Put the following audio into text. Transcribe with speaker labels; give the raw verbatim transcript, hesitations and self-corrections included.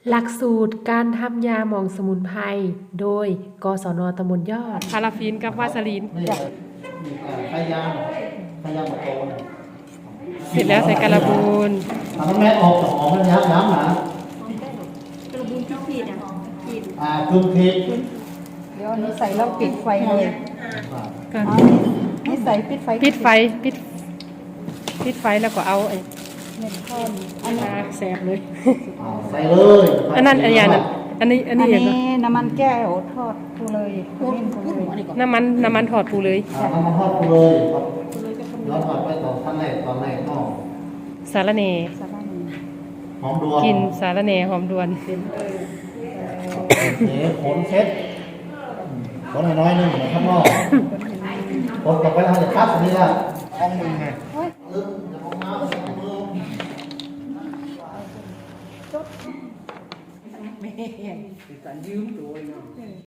Speaker 1: หลักสูตรการทำยาหมองสมุนไพรโดยกศนตำบลยอดพาราฟินกับวาสลีน
Speaker 2: นี่มีการพยายามพยายามมาโตนะ
Speaker 1: เสร็จแล้วใส่กระบูน
Speaker 2: ทำให้แม่ออกจากออกแล้วย้ำย้ำนะ
Speaker 3: กระบุนที่ผิดอ่ะผิด
Speaker 2: อ่าคือผิด
Speaker 3: เดี๋ยวอันนี้ใส่แล้วปิดไฟเลย
Speaker 1: กัน
Speaker 3: เอานี่ใส่ปิดไฟ
Speaker 1: ปิดไฟปิดปิดไฟแล้วก็เอาไอ้
Speaker 3: เม็ดข้น
Speaker 1: อันนาแสบเลย
Speaker 2: อ่าใส่เลย
Speaker 1: อันนั้นอันยานั้นอันนี้อั
Speaker 3: อั
Speaker 1: น
Speaker 3: น
Speaker 1: นี้อย่าง
Speaker 3: นี้
Speaker 1: เนาะ
Speaker 3: น้ำมันแก้วทอดทูเลยมิ้นทูเลย
Speaker 1: น้ำมันน้ำมันถอดปูเลย
Speaker 2: อ่าน้ำมันทอดกูเลยครับแล้วถอดไปต่อขั้นแรกตอนแรกก็
Speaker 1: สารเน
Speaker 3: สาระนี่
Speaker 2: หอมดวง
Speaker 1: กินสารเนหอมดวน
Speaker 2: เอ๋ขนเช็ดขนน้อยๆนึงเหมือนข้างนอกขนกลับไปแล้วจะคัดอันนี้ละห้องมึงไงลืมจะห้องน้ำห้องมือ
Speaker 3: จด